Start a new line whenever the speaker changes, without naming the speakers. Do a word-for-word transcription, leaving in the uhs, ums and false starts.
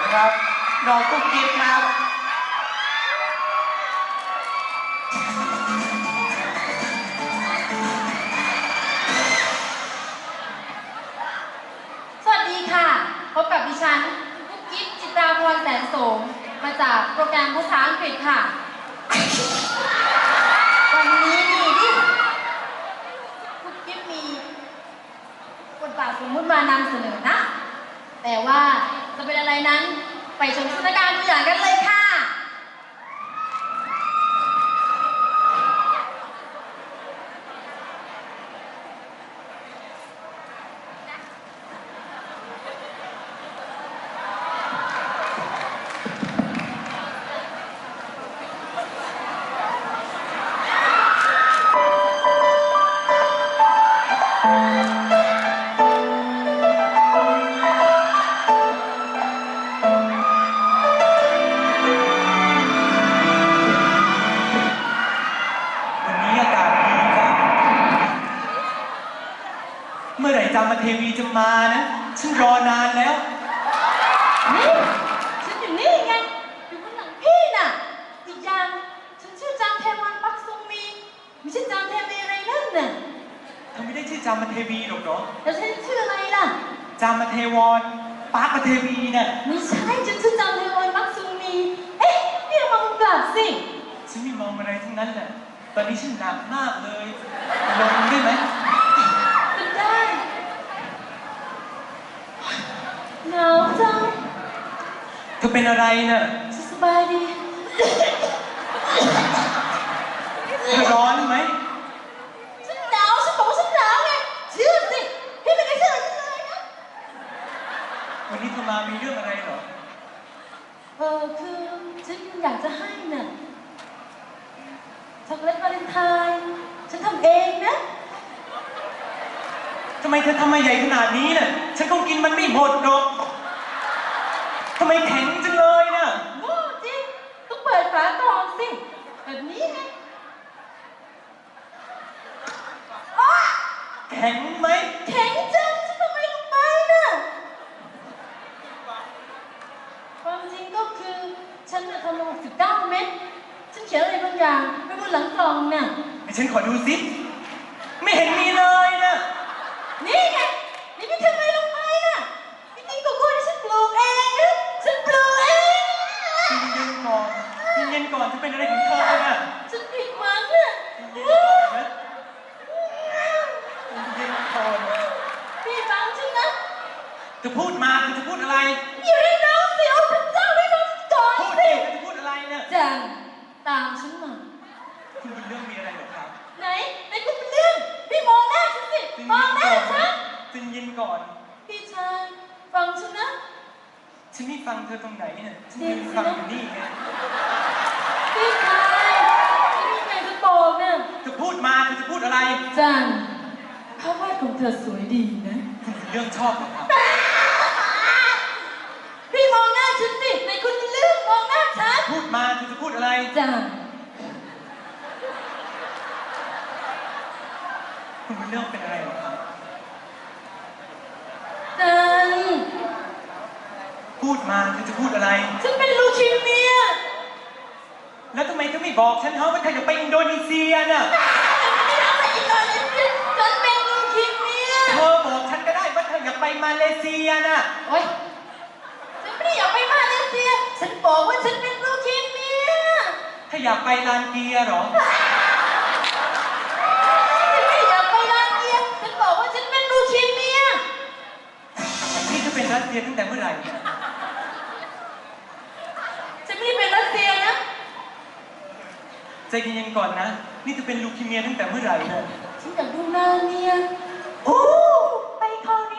ครับน้องกุ๊กกิ๊บครับ
สวัสดีค่ะพบกับดิฉันกุ๊กกิ๊บจิตราพรแสนโสมมาจากโปรแกรมภาษาอังกฤษค่ะวันนี้นี่ดิกุ๊กกิ๊บมีบทบาทสมมุติมานำเสนอนะแต่ว่าจะเป็นอะไรนั้นไปชมสถานการณ์ตัวอย่างกันเลยค่ะ
เมื่อไหร่จามเทวีจะมานะฉันรอนานแล้ว
นี่ฉันอยู่นี่ไงอยู่ข้างหลังพี่น่ะอีกอย่างฉันชื่อจามเทวันปักซุงมีไม่ใช่จามเทวีอะไรนั่นน่ะ
เธอไม่ได้ชื่อจามเทวีหรอกเหรอ
แล้วฉันชื่ออะไรล่ะ
จามเทวรปักเทวีน่ะ
ไม่ใช่ฉันชื่อจามเทวันปักซุงมีเอ๊ะนี่เรามองกลับสิ
ฉันไม่มองอะไรทั้งนั้นแหละตอนนี้ฉันหนักมากเลยลงได้ไหม
ได้หนาวจัง
เธอเป็นอะไรน่ะ
ฉันสบายดี
เธอร้อนไหม
ฉันหนาวฉันบอกว่าฉันหนาวไงเชื่อสิพี่ไม่ได้เชื่อฉันเลยนะ
วันนี้เธอมามีเรื่องอะไรเหรอ
เออคือฉันอยากจะให้น่ะช็อกโกแลตวาเลนไทน์ฉันทำเองนะ
ทำไมเธอทำมาใหญ่ขนาดนี้น่ะฉันคงกินมันไม่หมดหรอกทำไมแข็งจังเลยน่ะ
โง่จริงต้องเปิดฝากล่องสิแบบนี้ไง
แข็งไหม
แข็งจังฉันทำไมลงไปน่ะความจริงก็คือฉันทำมาสิบเก้าเม็ดฉันเขียนอะไรบางอย่างไว้บนหลังกล่องน่ะ
ให้ฉันขอดูซิไม่เห็นมีเลยน่ะ
นี่ไงนี่พี่ทำไมลงไปน่ะพี่กินโกโก้ที่ฉันปลูกเองนะฉันปลูกเอง
เย็นก่อนเย็นก่อนจะเป็นอะไรของเธอน่ะ
ฉันผิดหวังน่ะ
เย็นก่อนนะเย็นก่อน
พี่ฟังฉันนะ
เธอพูดมาเธอจะพูดอะไร
อยู่ในน้ำสิโอ้พระเจ้าได้ฟังก่อน
พูดดิเธอจะพูดอะไรเนี่ย
จันตามฉันมา
คุณเป็นเรื่องมีอะไรเหรอครับ
ไหนไหนคุณเป็นเรื่องพี่มองหน้าฉันสิมองหน้าฉัน
ใจเย็นก่อน
พี่ชายฟังฉันนะ
ฉันไม่ฟังเธอตรงไหนเนี่ยฉันยืนฟังอยู่นี่ไง
พี่ชายฉันมีอะไรจะบอกเนี่ย
เธอพูดมาเธอจะพูดอะไร
จันภาพวาดของเธอสวยดีนะ
คุณเป็นเรื่องชอบเหรอครับ
พี่มองหน้าฉันสิในคุณเป็นเรื่องมองหน้าฉัน
พูดมาเธอจะพูดอะไร
จัน
คุณเป็นเรื่องเป็นอะไรเหรอครับ
จัน
พูดมาเธอจะพูดอะไร
ฉันเป็นลูคีเมีย
แล้วทำไมเธอไม่บอกฉันฮะว่าเธอจะไปอินโดนีเซียน่ะ
ไม่ทำไปอินโดนีเซียฉันเป็นลูคีเมีย
เธอบอกฉันก็ได้ว่าเธออยากไปมาเลเซียน่ะ
โอ๊ยฉันไม่ได้อยากไปมาเลเซียฉันบอกว่าฉันเป็นลูคีเมีย
ถ้าอยากไปลานเกียร์หรอ
ฉันไม่อยากไปลานเกียร์ฉันบอกว่าฉันเป็นลูคีเมีย
นี่เธอเป็นรัสเซียตั้งแต่เมื่อไหร่เนี่ย
ฉันไม่ได้เป็นรัสเซียนะ
ใจเย็นๆก่อนนะนี่เธอเป็นลูคีเมียตั้งแต่เมื่อไหร่เนี่ย
ฉันอยากดูหน้าเมีย
โอ้ไปคราวนี้